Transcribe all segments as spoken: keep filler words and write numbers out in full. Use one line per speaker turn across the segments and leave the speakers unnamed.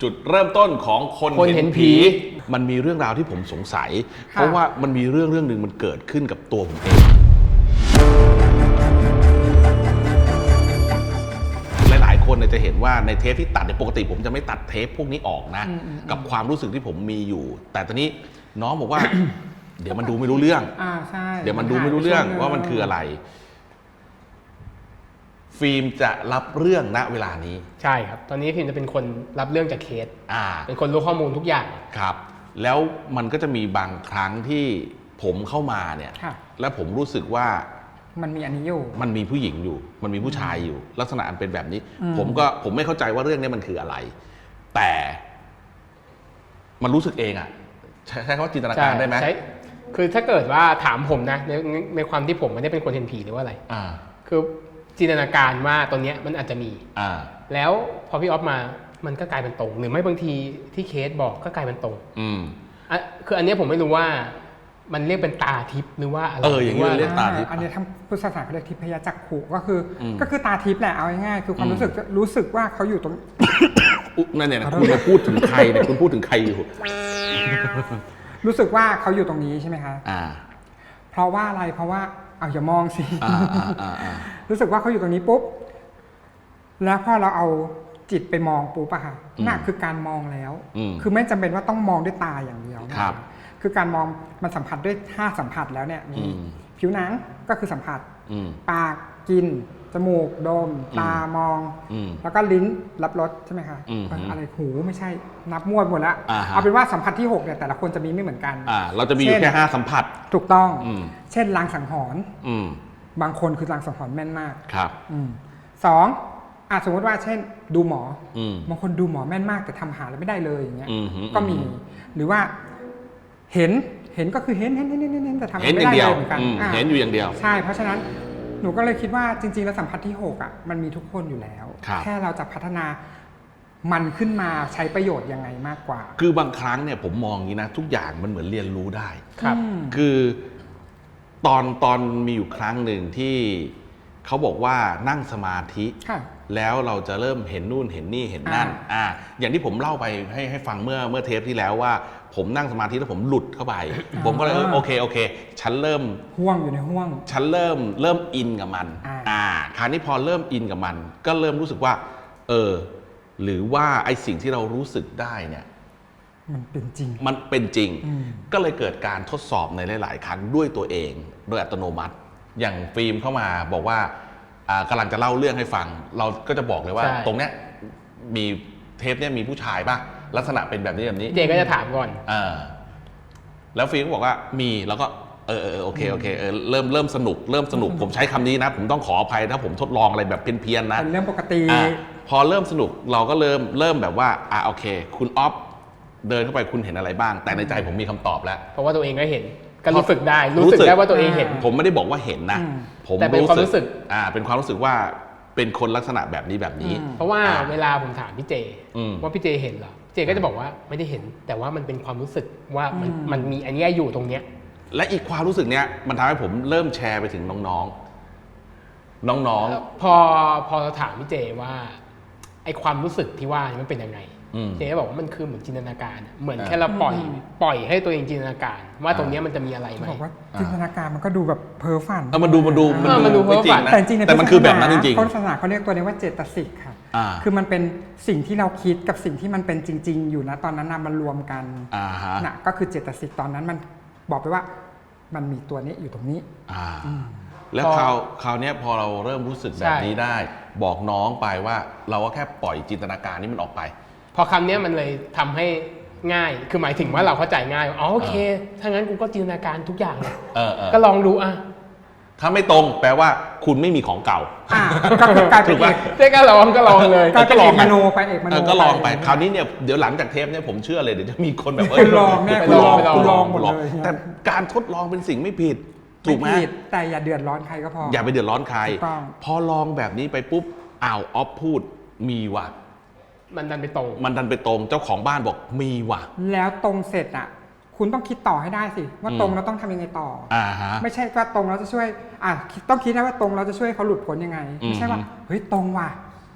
จุดเริ่มต้นของคน
คนเห็นผี
มันมีเรื่องราวที่ผมสงสัย เพราะว่ามันมีเรื่องเรื่องหนึ่งมันเกิดขึ้นกับตัวผมเอง หลายๆคนจะเห็นว่าในเทปที่ตัดปกติผมจะไม่ตัดเทปพวกนี้ออกนะกับความรู้สึกที่ผมมีอยู่ แต่ตอนนี้น้องบอกว่า เดี๋ยวมันดูไม่รู้เรื่อง
อ่าใช่
เดี๋ยวมันดูไม่รู้เรื่องว่ามันคืออะไร ฟิล์มจะรับเรื่องณเวลานี้
ใช่ครับตอนนี้ฟิล์มจะเป็นคนรับเรื่องจากเคส
อ่า
เป็นคนรู้ข้อมูลทุกอย่าง
ครับแล้วมันก็จะมีบางครั้งที่ผมเข้ามาเนี่ยแล้วผมรู้สึกว่า
มันมีอันนี้อยู่
มันมีผู้หญิงอยู่มันมีผู้ชายอยู่ลักษณะอันเป็นแบบนี้ผมก็ผมไม่เข้าใจว่าเรื่องนี้มันคืออะไร แต่มันรู้สึกเองอะใช้คำว่าจินตนาการได้ไหม
คือถ้าเกิดว่าถามผมนะในในความที่ผมไม่ได้เป็นคนเห็นผีหรือว่าอะไร
อ่าคือ
จินตนาการว่าตัวเนี้ยมันอาจจะมี
อ่า
แล้วพอพี่ออฟมามันก็กลายเป็นตรงหรือไม่บางทีที่เคสบอกก็กลายเป็นตรง
อืม
อ่ะคืออันนี้ผมไม่รู้ว่ามันเรียกเป็นตาทิพย์หรือว่าอะไร
เอออย่างนี้เรียกตาทิพย์
อันนี้ทางพุทธศาสนาเขาเรียกทิพยจักขุก็คือก็คือตาทิพย์แหละเอาง่ายๆคือความรู้สึกรู้สึกว่าเขาอยู่ตรง
นั่นเนี่ยคุณมาพูดถึงใครเนี่ยคุณพูดถึงใครอยู่
รู้สึกว่าเขาอยู่ตรงนี้ใช่ไหมคะ
อ่า
เพราะว่าอะไรเพราะว่าเอาอย่ามองสิ
อ่าอ่าอ่า
รู้สึกว่าเขาอยู่ตรงนี้ปุ๊บแล้วพอเราเอาจิตไปมองปุ๊บอะค่ะนั่นคือการมองแล้วคือไม่จำเป็นว่าต้องมองด้วยตาอย่างเดียว
ครับ
คือการมองมันสัมผัสด้วยห้าสัมผัสแล้วเนี่ยมีผิวหนังก็คือสัมผัสปากกินจมูกดมตามองแล้วก็ลิ้นรับรสใช่ไหมคะอะไรหูไม่ใช่นับมั่วหมดแล้วเอาเป็นว่าสัมผัสที่หกเนี่ยแต่ละคนจะมีไม่เหมือนกัน
เราจะมีอยู่แค่ห้าสัมผัส
ถูกต้องเช่นลางสังหรณ์บางคนคือลางสังหรณ์แม่นมาก
ครับ
สองอาจสมมติว่าเช่นดูหมอบางคนดูหมอแม่นมากแต่ทำหาแล้วไม่ได้เลยอย่างเงี้ยก็มีหรือว่าเห็นเห็นก็คือเห็นเห็นเห็นเห็นเห็นแต่ทำไม่ได้เลยเหมือนกัน
เห็นอยู่อย่างเดียว
ใช่เพราะฉะนั้นหนูก็เลยคิดว่าจริงๆแล้วสัมผัสที่หกอ่ะมันมีทุกคนอยู่แล้วแค่เราจะพัฒนามันขึ้นมาใช้ประโยชน์ยังไงมากกว่า
คือบางครั้งเนี่ยผมมองอย่างนี้นะทุกอย่างมันเหมือนเรียนรู้ได้
ครับ
คือตอนตอนมีอยู่ครั้งหนึ่งที่เขาบอกว่านั่งสมาธิแล้วเราจะเริ่มเห็นนู่นเห็นนี่เห็นนั่นอ่าอย่างที่ผมเล่าไปให้ให้ฟังเมื่อเมื่อเทปที่แล้วว่าผมนั่งสมาธิแล้วผมหลุดเข้าไปผมก็เลยโอเคโอเคฉันเริ่ม
ห่วงอยู่ในห่วง
ฉันเริ่มเริ่มอินกับมันอ่าคราวนี้พอเริ่มอินกับมันก็เริ่มรู้สึกว่าเออหรือว่าไอ้สิ่งที่เรารู้สึกได้เนี่ย
มันเป็นจริง
มันเป็นจริงก็เลยเกิดการทดสอบในหลายๆครั้งด้วยตัวเองโดยอัตโนมัติอย่างฟิล์มเข้ามาบอกว่ากำลังจะเล่าเรื่องให้ฟังเราก็จะบอกเลยว่าตรงเนี้ยมีเทปเนี้ยมีผู้ชายป่ะลักษณะเป็นแบบนี้แบบนี้
เจก็จะถามก่อน
อ่าแล้วฟิล์มก็บอกว่ามีแล้วก็เออเออโอเคโอเคเออเริ่มเริ่มสนุกเริ่มสนุกผมใช้คำนี้นะผมต้องขออภัยถ้าผมทดลองอะไรแบบเพี้ยนๆนะ
เป็นเรื่องปกติ
พอเริ่มสนุกเราก็เริ่มเริ่มแบบว่าอ่าโอเคคุณออฟเดินเข้าไปคุณเห็นอะไรบ้างแต่ในใจผมมีคำตอบแล้ว
เพราะว่าตัวเองก็เห็นก็รู้สึกได้รู้สึกได้ว่าตัวเองเห็น
ผมไม่ได้บอกว่าเห็นนะ
ผมแต่เป็นความรู้สึก
อ่าเป็นความรู้สึกว่าเป็นคนลักษณะแบบนี้แบบนี้
เพราะว่าเวลาผมถามพี่เจว่าพี่เจเห็นเหรอเจก็จะบอกว่าไม่ได้เห็นแต่ว่ามันเป็นความรู้สึกว่ามันมันมีอันนี้อยู่ตรงเนี้ย
และอีกความรู้สึกเนี้ยมันทำให้ผมเริ่มแชร์ไปถึงน้องๆน้อง
ๆพอพอเราถามพี่เจว่าไอความรู้สึกที่ว่ามันเป็นยังไงเจ๊บอกว่ามันคือเหมือนจินตนาการเหมือนแค่เราปล่อยปล่อยให้ตัวเองจินตนาการว่าตรงนี้มันจะมีอะไรไหม
บอกว่าจินตนาการมันก็ดูแบบเพ้อฝัน
มันดูมันดู
มันดูเพ้อฝัน
แต่จริง
แต่มันคือแบบนั้นจริง
ๆพุทธศาสนาเขาเรียกตัวนี้ว่าเจตสิกค่ะคือมันเป็นสิ่งที่เราคิดกับสิ่งที่มันเป็นจริงๆอยู่นะตอนนั้นมันรวมกันน่ะก็คือเจตสิกตอนนั้นมันบอกไปว่ามันมีตัวนี้อยู่ตรงนี้
แล้วคราวคราวนี้พอเราเริ่มรู้สึกแบบนี้ได้บอกน้องไปว่าเราก็แค่ปล่อยจินตนาการนี้มันออกไป
พอคำนี้มันเลยทำให้ง่ายคือหมายถึงว่าเราเข้าใจง่ายอ๋อโอเคถ้างั้นกูก็จินตนาการทุกอย่างเลยก็ลองดูอ่ะ
ถ้าไม่ตรงแปลว่าคุณไม่มีของเก่า
ก็กลายเป็นเอก
เจ๊ก็ลองก็ลองเลย
ก็ลองมโนไปเอกมโน
ก็ลองไปคราวนี้เนี่ยเดี๋ยวหลังจากเทปเนี่ยผมเชื่อเลยเดี๋ยวจะมีคนแบบเอ
อลองแน่คุณลองคุณลองหมดเลย
แต่การทดลองเป็นสิ่งไม่ผิดถูกไหม
แต่อย่าเดือดร้อนใครก็พอ
อย่าไปเดือดร้อนใครพอลองแบบนี้ไปปุ๊บอ้าวออฟพูดมีว่ะ
มันดันไปตรง
มันดันไปตรงเจ้าของบ้านบอกมีว่ะ
แล้วตรงเสร็จอ่ะคุณต้องคิดต่อให้ได้สิว่าตรงเราต้องทำยังไงต่ออ่าฮะไม่ใช่ว่าตรงเราจะช่วยอ่ะต้องคิดได้ว่าตรงเราจะช่วยเขาหลุดพ้นยังไงไม่ใช่ว่าเฮ้ยตรงว่ะเ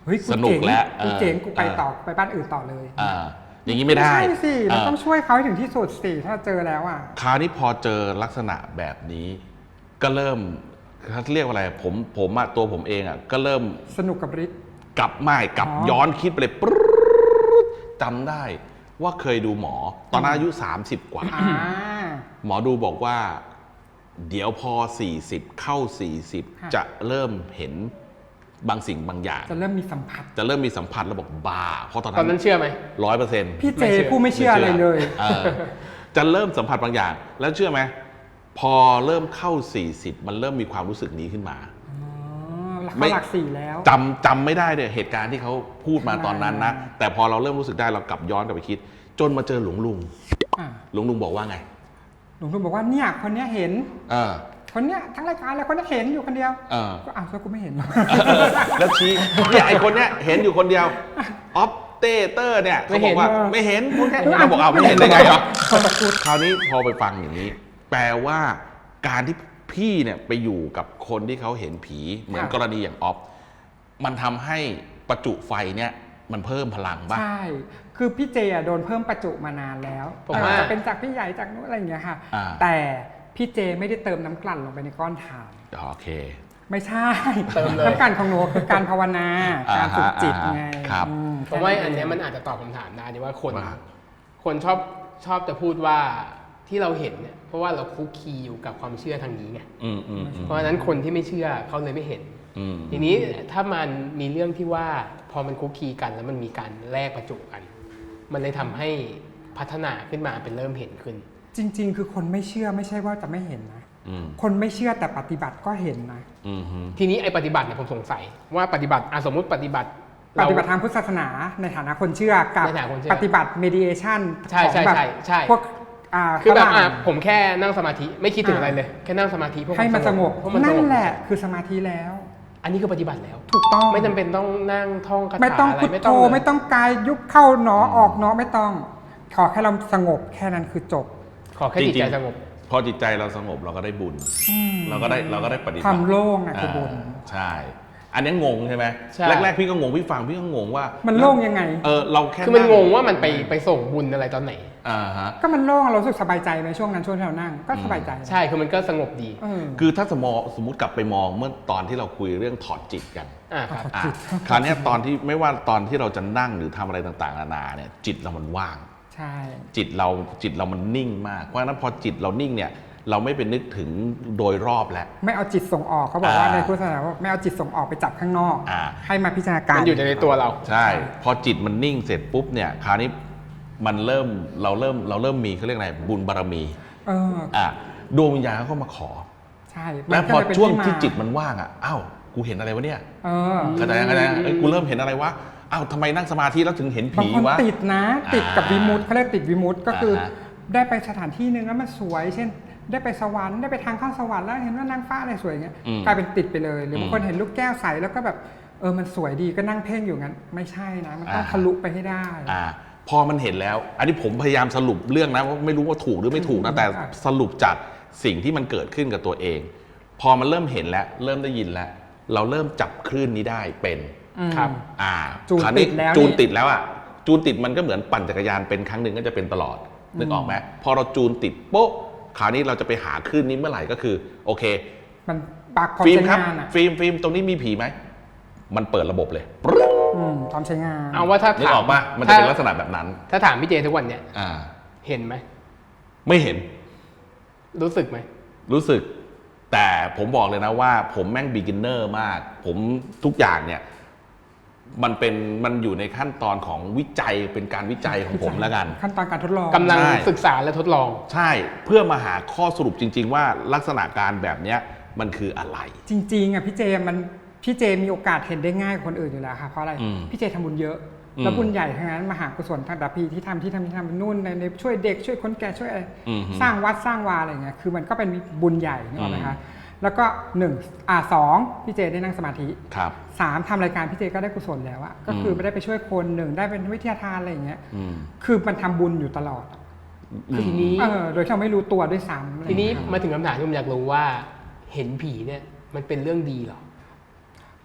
ฮ้ย
สนุกแล้ว
กูเจ๋ง
เออ
กูไปต่อไปบ้านอื่นต่อเลย
อ่าอย่างนี้ไม่ได้
ใช่สิเรา
เออ
ต้องช่วยเขาให้ถึงที่สุดสิถ้าเจอแล้วอ่ะ
คราวนี้พอเจอลักษณะแบบนี้ ก็เริ่มเขาเรียกว่าอะไรผมผมอะตัวผมเองอะก็เริ่ม
สนุกกับฤทธิ์
กลับไม่กลับ
อ๋อ
ย้อนคิดไปเลยปรึ๊ดจำได้ว่าเคยดูหมอ ตอนนั้นอายุสามสิบกว่า
อ่า
หมอดูบอกว่า เดี๋ยวพอสี่สิบเข้าสี่สิบ
ค่ะ
จะเริ่มเห็นบางสิ่งบางอย่าง
จะเริ่มมีสัมผัส
จะเริ่มมีสัมผัสแล้วบอกบ้า เพราะตอน
ตอน
นั้
นั้น นเชื่อไหม
ร้อยเปอร์เซ็นต์
พี่เจ
ไม่เชื่อ
ผู้ไม่เชื่ออะไรเลย
เออจะเริ่มสัมผัสบางอย่าง แล้วเชื่อไหมพอเริ่มเข้าสี่สิบมันเริ่มมีความรู้สึกนี้ขึ้นมา
อ๋อ
ไม่
เขาหลักสี่แล้ว
จำจำไม่ได้เลยเหตุการณ์ที่เขาพูดมาตอนนั้นนะ แต่พอเราเริ่มรู้สึกได้เรากลับย้อนกลับไปคิด จนมาเจอหลวงลุง
อ่ะ
หลวงลุงบอกว่าไง
หลวงลุงบอกว่าเนี่ยคนเนี้ยเห็น
เออ
คนเนี้ยทั้งรายการเลยคนเนี้ยเห็นอยู่คนเดียว
เออ
ก็อ้าวแล้วกูไม่เห็นหรอก
แล้วชี้เนี่ยไอคนเนี้ยเห็นอยู่คนเดียวออฟเตเตอร์เนี่ยเขาบอกว่า
ไม่
ไม่
เห็
เห็
น
นพูดแค่
เออ
เราบอกเอาไม่เห็นได้ไงวะ
ขอบคุณ
คราวนี้พอไปฟังอย่างนี้ แปลว่าการที่พี่เนี่ยไปอยู่กับคนที่เขาเห็นผีเหมือน
ค่ะ
กรณีอย่างออฟมันทำให้ประจุไฟเนี่ยมันเพิ่มพลังบ้าง
ใช่ คือพี่เจอะโดนเพิ่มประจุมานานแล้ว
ผม
แต่
ว่า
จะเป็นจากพี่ใหญ่จากนู้นอะไรอย่างเงี้ยค่ะ
อ่า
แต่พี่เจไม่ได้เติมน้ำกลั่นลงไปในก้อนถ่าน
โอเค
ไม่ใช่
เติมเลย
น้ำกลั่นของหนูคือการภาวนา
อ่า
การฝึกจิต
อ่า
ไง
ครับ
อืม
ผมว่าอันเนี้ยมันอาจจะตอบคำถามได้ที่ว่าคน
ว่า
คนชอบชอบจะพูดว่าที่เราเห็นเนี่ยเพราะว่าเราคุกคีอยู่กับความเชื่อทางนี้ไง
อืมอืมอืม
เพราะฉะนั้นคนที่ไม่เชื่อเขาเลยไม่เห็น
อืม
ทีนี้ถ้ามันมีเรื่องที่ว่าพอมันคุกคีกันแล้วมันมีการแลกประจุกัน มันเลยทำให้พัฒนาขึ้นมาเป็นเริ่มเห็นขึ้น
จริง ๆ คือคนไม่เชื่อไม่ใช่ว่าจะไม่เห็นนะ
อืม
คนไม่เชื่อแต่ปฏิบัติก็เห็นนะ
อืมฮึ
ทีนี้ไอ้ปฏิบัติเนี่ยผมสงสัยว่าปฏิบัติอ่ะสมมุติปฏิบัติ
ปฏิบัติทางพุทธศาสนาในฐานะคนเชื่อกับ
ในฐานะคนเชื่อ
ปฏิบัติ mediation
ใช่
ของ
ใช่
แบบ
ใช่ใช่
พวกอ่า
คือแบบ
ฝรั่ง
อ่ะผมแค่นั่งสมาธิไม่คิดถึง
อ่า
อะไรเลย แค่นั่งสมาธิเพื่อ
ให้มันสงบ
เพราะมันส
นั่
ง
น
บ
แหละคือสมาธิแล้ว
อันนี้คือปฏิบัติแล้ว
ถูกต้อง
ไม่จำเป็นต้องนั่งท่องคาถา
ไม่ต้อง
อะไร
พุท
ไม่
โธ
ต้องเลย
ไม่ต้องกายยุบเข้าหนอออกหนอไม่ต้อง ขอแค่เราสงบแค่นั้นคือจบ
ขอแค่จิตใจสงบ
พอจิตใจเราสงบเราก็ได้บุญ เราก็ได้เราก็ได้ปฏิบัติ
ความโล่งอะคือบุญ
าใช่ อันนี้งงใช่ไหม
ใช่
แรกๆพี่ก็งงพี่ฟังพี่ก็งงว่า
มั
มัน
โล่งยังไง
เออเราแค่
คือมันงงว่ามันไปไปส่งบุญอะไรตอนไหน
อ่าฮะ
ก็มันโล่งเรารู้สึกสบายใจในช่วงนั้นช่วงที่เรานั่งก็สบายใจ
ใช่คือมันก็สงบดี
เออ
คือถ้าสมมติสมมติกลับไปมองเมื่อตอนที่เราคุยเรื่องถอดจิตกัน
อ่าครับ
อ่ะ
จิต
คราวเนี้ยตอนที่ไม่ว่าตอนที่เราจะนั่งหรือทำอะไรต่างๆนานาเนี่ยจิตเรามันว่าง
ใช่
จิตเราจิตเรามันนิ่งมากเพราะฉะนั้นพอจิตเรานิ่งเนี่ยเราไม่ไปนึกถึงโดยรอบแล้ว
ไม่เอาจิตส่งออกเขาบอกว่า
อ่า
ในพุทธศาสนาว่าไม่เอาจิตส่งออกไปจับข้างนอก
อ่า
ให้มาพิจารณาการ
มันอยู่ในตัวเรา
ใช่ พอจิตมันนิ่งเสร็จปุ๊บเนี่ยคราวนี้มันเริ่มเราเริ่มเราเริ่มมีเขาเรียกอะไรบุญบารมี
เออ
อ่ะดวงวิญญาณเขามาขอ
ใช่
แล้ว
มัน
พ
ก็
อ
เลยเป็น
ช่วง
มา
ที่จิตมันว่างอ่ะอ้าวกูเห็นอะไรวะเนี่ย
เออ
เข้าใจเข้าใจเอ้ยกูเริ่มเห็นอะไรวะอ้าวทำไมนั่งสมาธิแล้วถึงเห็น
บาง
ผี
คน
วะ
ติดนะ ติดกับวิมุตต์เขาเรียกติดวิมุตต์ก็คืออา
ฮะ
ได้ไปสถานที่หนึ่งแล้วมันสวย เช่น ได้ไปสวรรค์ได้ไปทางเข้าสวรรค์แล้วเห็นว่านางฟ้าอะไรสวยอย่างเงี้ย
อืม
กลายเป็นติดไปเลย หรือ
ม
บางคนเห็นลูกแก้วใสแล้วก็แบบเออมันสวยดีก็นั่งเพ่งอยู่งั้นไม่ใช่นะ มันต้อง
อ่า
ทะลุไปให้ได้
อ่าพอมันเห็นแล้ว อันนี้ผมพยายามสรุปเรื่องนะว่าไม่รู้ว่าถูกหรือไม่ถูกนะแต่
ครับ
สรุปจากสิ่งที่มันเกิดขึ้นกับตัวเอง พอมันเริ่มเห็นแล้ว เริ่มได้ยินแล้ว เราเริ่มจับคลื่นนี้ได้เป็น
อืม
ครับ
อ่า
จูน
คราว
ติดแล้ว
จูน
นี่
ติดแล้วอ่ะจูนติดมันก็เหมือนปั่นจักรยานเป็นครั้งหนึ่งก็จะเป็นตลอดนึกออกไหมพอเราจูนติดโป๊ะคราวนี้เราจะไปหาคลื่นนี้เมื่อไหร่ก็คือ โอเค
มันปากพร้อม
ฟิล์ม
ใช้
ครับ
งานอ่ะ
ฟิล์มฟิล์มตรงนี้มีผีไหมมันเปิดระบบเลย
อืมพร้อมใช้งาน
เอาว่าถ้า
นึก
ถาม
ออกปะมันจะเป็นลักษณะแบบนั้น
ถ้าถามพี่เจทุกวันเนี่ย
อ่า
เห็นไหม
ไม่เห็น
รู้สึกไหม
รู้สึก แต่ผมบอกเลยนะว่า ผมแม่งบิ๊กินเนอร์มาก ผมทุกอย่างเนี่ย มันเป็นมันอยู่ในขั้นตอนของวิจัยเป็นการวิจัยของผมแล้วกัน
ขั้นตอนการทดลอง
กำลัง
ใช่
ศึกษาและทดลอง
ใช่เพื่อมาหาข้อสรุปจริง ๆ ว่าลักษณะการแบบเนี้ยมันคืออะไร
จริงๆอ่ะพี่เจมันพี่เจมีโอกาสเห็นได้ง่ายกว่าคนอื่นอยู่แล้วค่ะเพราะอะไร
อืม
พี่เจทำบุญเยอะ
อืม
แล้วบุญใหญ่ทั้งนั้นมหากุศลทางดับพีที่ทำที่ทำที่ทำนู่นในในช่วยเด็กช่วยคนแก่ช่วยอะไร
อืม
สร้างวัดสร้างวาอะไรเงี้ยคือมันก็เป็นบุญใหญ่นี่หรอกไหม
อื
คะ
ม
แล้วก็หนึ่งอ่าสองพี่เจได้นั่งสมาธิ
ครับ
สามทำรายการพี่เจก็ได้กุศลแล้วอะก็คือ
ม
ไม่ได้ไปช่วยคนหนึ่งได้เป็นวิทยาทานอะไรอย่างเงี้ย
อืม
คือมันทำบุญอยู่ตลอด
คือทีนี้
เออโดยที่เราไม่รู้ตัวด้วยซ้ำอะไร
ทีนี้
เงี้ย
มาถึงคำถามที่ผมอยากรู้ว่า เห็นผีเนี่ย มันเป็นเรื่องดีเหรอ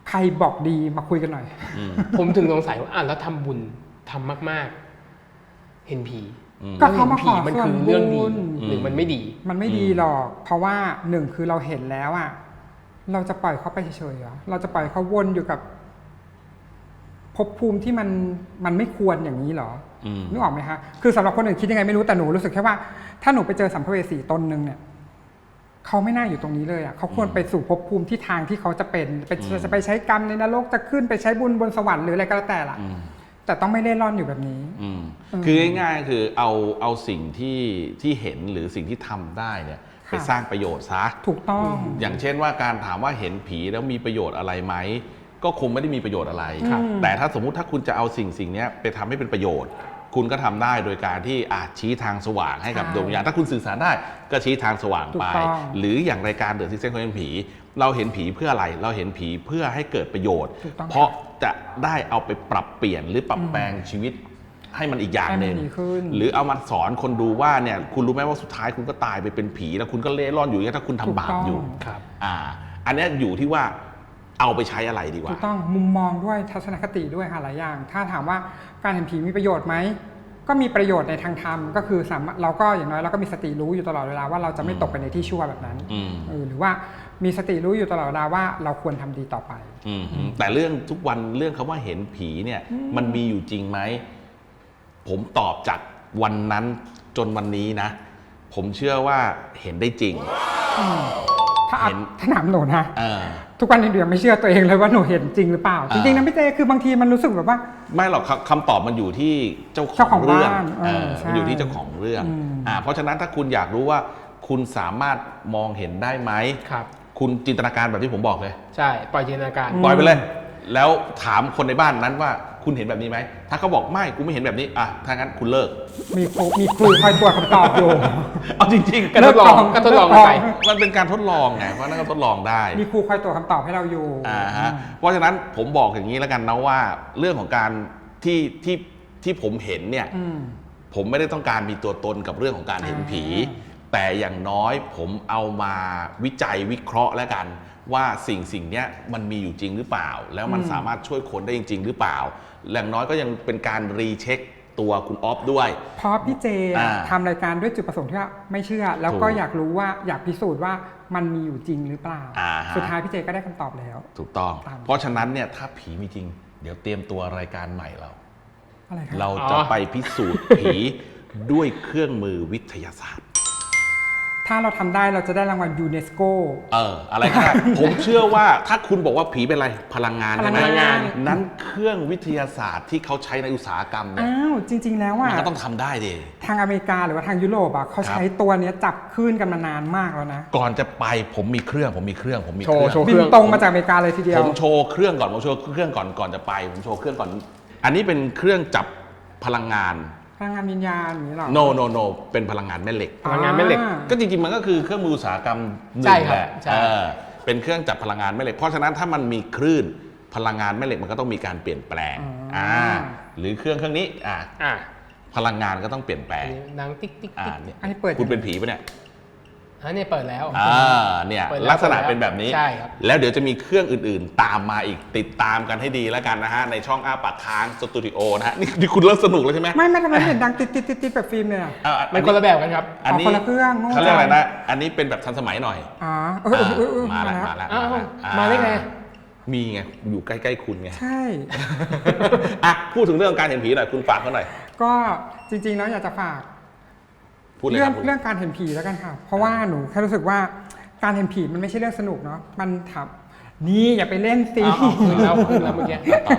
ใครบอกดีมาคุยกันหน่อย
ผมถึงสงสัยว่าอ่ะแล้วทำบุญทำมากๆ เห็นผี
ก็เขามาขอ
มัน
ส่ว
คื
น
อ
บุ
เรื่องดี
ญ
หรือมันไม่ดี
มันไม่ดีหรอก เพราะว่าหนึ่งคือเราเห็นแล้วอ่ะเราจะปล่อยเขาไปเฉยๆเหรอเราจะปล่อยเขาวนอยู่กับภพภูมิที่มันมันไม่ควรอย่างนี้เหรอนึกออกไหมคะคือสำหรับคนอื่นคิดยังไงไม่รู้แต่หนูรู้สึกแค่ว่าถ้าหนูไปเจอสัมภเวสีตนหนึ่งเนี่ยเขาไม่น่าอยู่ตรงนี้เลยอ่ะเขาควรไปสู่ภพภูมิที่ทางที่เขาจะเป็นไปจะไปใช้กรรมในนรกจะขึ้นไปใช้บุญบนสวรรค์หรืออะไรก็แล้วแต่ละแต่ต้องไม่เล่ร่อนอยู่แบบนี้
คือง่ายๆคือเอาเอาสิ่งที่ที่เห็นหรือสิ่งที่ทำได้เนี่ยไปสร้างประโยชน์ซะ
ถูกต้อง
อย่างเช่นว่าการถามว่าเห็นผีแล้วมีประโยชน์อะไรไหมก็คงไม่ได้มีประโยชน์อะไรแต่ถ้าสมมุติถ้าคุณจะเอาสิ่งสิ่งนี้ไปทำให้เป็นประโยชน์คุณก็ทำได้โดยการที่อาจชี้ทางสว่างให้กับดวงวิญญาณถ้าคุณสื่อสารได้ก็ชี้ทางสว่างไปหรืออย่างรายการเดอะซิกเซนคนเห็นผีเราเห็นผีเพื่ออะไรเราเห็นผีเพื่อให้เกิดประโยชน์เพราะจะได้เอาไปปรับเปลี่ยนหรือปรับแปลงชีวิตให้มันอีกอย่างหนึ่งหรือเอามาสอนคนดูว่าเนี่ยคุณรู้ไหมว่าสุดท้ายคุณก็ตายไปเป็นผีแล้วคุณก็เล่ร่อนอยู่อย่างนี้ถ้าคุณทำบาปอยู่อ่าอันนี้อยู่ที่ว่าเอาไปใช้อะไรดีกว่า
ถูกต้องมุมมองด้วยทัศนคติด้วยค่ะหลายอย่างถ้าถามว่าการเห็นผีมีประโยชน์ไหมก็มีประโยชน์ในทางธรรมก็คือสามารถเราก็อย่างน้อยเราก็มีสติรู้อยู่ตลอดเวลาว่าเราจะไม่ตกไปในที่ชั่วแบบนั้นหรือว่ามีสติรู้อยู่ตลอดเวลาว่าเราควรทำดีต่อไป
แต่เรื่องทุกวันเรื่องคำว่าเห็นผีเนี่ยมันมีอยู่จริงไหมผมตอบจากวันนั้นจนวันนี้นะผมเชื่อว่าเห็นได้จริง
ถ้าถ้าถามหนูนะทุกวันนี้หนูยังไม่เชื่อตัวเองเลยว่าหนูเห็นจริงหรือเปล่าจริงๆนะพี่เจคือบางทีมันรู้สึกแบบว่า
ไม่หรอกคำตอบมันอยู่ที่เจ้าของเรื่องมันอยู่ที่เจ้าของเรื่องเพราะฉะนั้นถ้าคุณอยากรู้ว่าคุณสามารถมองเห็นได้ไหมคุณจินตนาการแบบที่ผมบอกเลย
ใช่ปล่อยจินตนาการ
ปล่อยไปเลยแล้วถามคนในบ้านนั้นว่าคุณเห็นแบบนี้ไหมถ้าเขาบอกไม่กูไม่เห็นแบบนี้อ่ะถ้างั้นคุณเลิก
มีครูมีครูคอยตรวจคำตอบอยู่
เอาจริงๆ
ก็ทดลองก็ทดลองไป
มันเป็นการทดลองไงเพราะนั่นก็ทดลองได้
มีครูคอยตรวจคำตอบให้เราอยู่
อ่าฮะเพราะฉะนั้นผมบอกอย่างนี้แล้วกันนะว่าเรื่องของการที่ที่ที่ผมเห็นเนี่ยผมไม่ได้ต้องการมีตัวตนกับเรื่องของการเห็นผีแต่อย่างน้อยผมเอามาวิจัยวิเคราะห์แล้วกันว่าสิ่งสิ่งนี้มันมีอยู่จริงหรือเปล่าแล้วมันสามารถช่วยคนได้จริงๆหรือเปล่าอย่างน้อยก็ยังเป็นการรีเช็คตัวคุณออฟด้วย
เพราะพี่เจทำรายการด้วยจุดประสงค์ที่ว่าไม่เชื่อแล้วก็อยากรู้ว่าอยากพิสูจน์ว่ามันมีอยู่จริงหรือเปล่าสุดท้ายพี่เจก็ได้คำตอบแล้ว
ถูกต้องเพราะฉะนั้นเนี่ยถ้าผีมีจริงเดี๋ยวเตรียมตัวรายการใหม่เราเราจะไปพิสูจน์ผีด้วยเครื่องมือวิทยาศาสตร์
ถ้าเราทำได้เราจะได้รางวัลยูเนสโก
เอออะไรก็ได้ ผมเชื่อว่าถ้าคุณบอกว่าผีเป็นอะไรพลังงานใช่ไหมพลังงานนั้นเครื่องวิทยาศาสตร์ที่เขาใช้ในอุตสาหกรรมเนี่ย
อ้าวจริงๆแล้วอ่ะ
มันก็ต้องทำได้ดิ
ทางอเมริกาหรือว่าทางยุโรปอ่ะเขาใช้ตัวนี้จับคลื่นกันมานานมากแล้วนะ
ก่อนจะไปผมมีเครื่องผมมีเครื่องผมมี
เครื่องบินตรงมาจากอเมริกาเลยทีเดียว
ผมโชว์เครื่องก่อนผมโชว์เครื่องก่อนก่อนจะไปผมโชว์เครื่องก่อนอันนี้เป็นเครื่องจับพลังงาน
พลังงานวิญญาณอย่างนี้หรอ
no no no เป็นพลังงานแม่เหล็ก
พลังงานแม่เหล็ก
ก็จริงๆมันก็คือเครื่องมืออุตสาหกรรมหนึ่งแหละเป็นเครื่องจับพลังงานแม่เหล็กเพราะฉะนั้นถ้ามันมีคลื่นพลังงานแม่เหล็กมันก็ต้องมีการเปลี่ยนแปลงอ่าหรือเครื่องเครื่องนี้อ่าพลังงานก็ต้องเปลี่ยนแปลง
ดังติ๊กติ๊กติ๊ก
อันนี้เปิด
คุณเป็นผีปะเนี่ย
อันนี้เปิดแล้ว
อ่าเนี่ยลักษณะเป็นแบบนี้
ใช่ครับ
แล้วเดี๋ยวจะมีเครื่องอื่นๆตามมาอีกติดตามกันให้ดีแล้วกันนะฮะในช่องอ้าปากค้างสตูดิโอนะฮะนี่คุณเริ่มสนุกแล้วใช่ไหม
ไม่ไม่ทำไมเห็นดังติดติดติดติดแบบฟิล์มเลยอ่ะ
มันคนละแบบกันครับ
อันนี้คนละเครื่อง
เขาเรียกอะไรนะอันนี้เป็นแบบทันสมัยหน่อย
อ๋อ
มาแล้วมาแล้ว
มาได้ไง
มีไงอยู่ใกล้ๆคุณไง
ใช่
อ่ะพูดถึงเรื่องการเห็นผีหน่อยคุณฝากเขาหน่อย
ก็จริงๆแล้วอยากจะฝากเรื่องเรื่องการเห็นผีแล้วกันค่ะเพราะว่าหนูแค่รู้สึกว่าการเห็นผีมันไม่ใช่เรื่องสนุกเนาะมันทำนี่อย่าไปเล่นสิ
ขึ้นแล้วขึ้นแล้วเมื่อกี้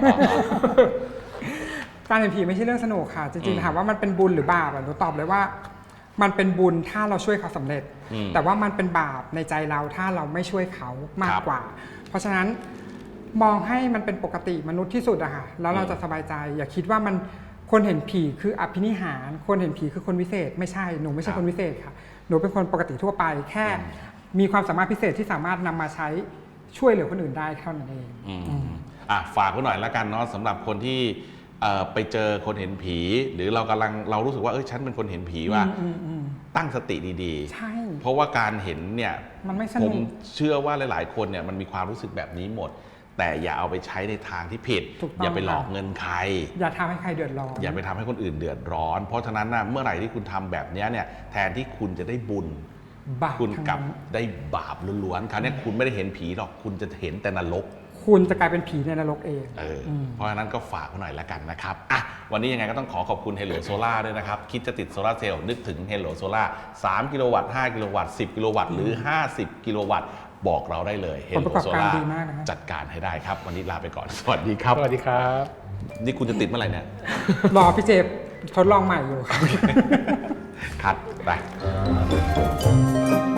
การเห็นผีไม่ใช่เรื่องสนุกค่ะจริงๆถามว่ามันเป็นบุญหรือบาปหนูตอบเลยว่ามันเป็นบุญถ้าเราช่วยเขาสำเร็จแต่ว่ามันเป็นบาปในใจเราถ้าเราไม่ช่วยเขามากกว่าเพราะฉะนั้นมองให้มันเป็นปกติมนุษย์ที่สุดอะค่ะแล้วเราจะสบายใจอย่าคิดว่ามันคนเห็นผีคืออภินิหารคนเห็นผีคือคนวิเศษไม่ใช่หนูไม่ใช่คนวิเศษค่ะหนูเป็นคนปกติทั่วไปแค่มีความสามารถพิเศษที่สามารถนำมาใช้ช่วยเหลือคนอื่นได้เท่านั้นเอง
อ่ะฝากไว้หน่อยแล้วกันเนาะสำหรับคนที่ไปเจอคนเห็นผีหรือเรากำลังเรารู้สึกว่าเออฉันเป็นคนเห็นผีว่าตั้งสติดี
ๆใช่
เพราะว่าการเห็นเนี่ย
มันไม่สนุก
ผมเชื่อว่าหลายๆคนเนี่ยมันมีความรู้สึกแบบนี้หมดแต่อย่าเอาไปใช้ในทางที่ผิด อย่าไปหลอกเงินใคร
อย่าทำให้ใครเดือดร้อน
อย่าไปทำให้คนอื่นเดือดร้อน เพราะฉะนั้นนะเมื่อไหร่ที่คุณทำแบบนี้เนี่ยแทนที่คุณจะได้บุญ
บาป
คุณกลับ
ทั้งนั้น
ได้บาปล้วนๆคราวนี้คุณไม่ได้เห็นผีหรอกคุณจะเห็นแต่นรก
คุณจะกลายเป็นผีในนรกเอง
เออเพราะฉะนั้นก็ฝากไว้หน่อยแล้วกันนะครับอ่ะวันนี้ยังไงก็ต้องขอขอบคุณ Hello Solar ด้วยนะครับ คิดจะติดโซลาร์เซลล์นึกถึง Hello Solar สามกิโลวัตต์ห้ากิโลวัตต์สิบกิโลวัตต์หรือห้าสิบกิโลวัตต์บอกเราได้เลย
ผลประ
Hello
กอบการ
Solar
ดีมากนะฮะ
จัดการให้ได้ครับ วันนี้ลาไปก่อน สวัสดีครับ
สวัสดีครับ
นี่คุณจะติดเมื่อไหร่เนี่ย
รอพี่เจทดลองใหม่อยู่
คัดไป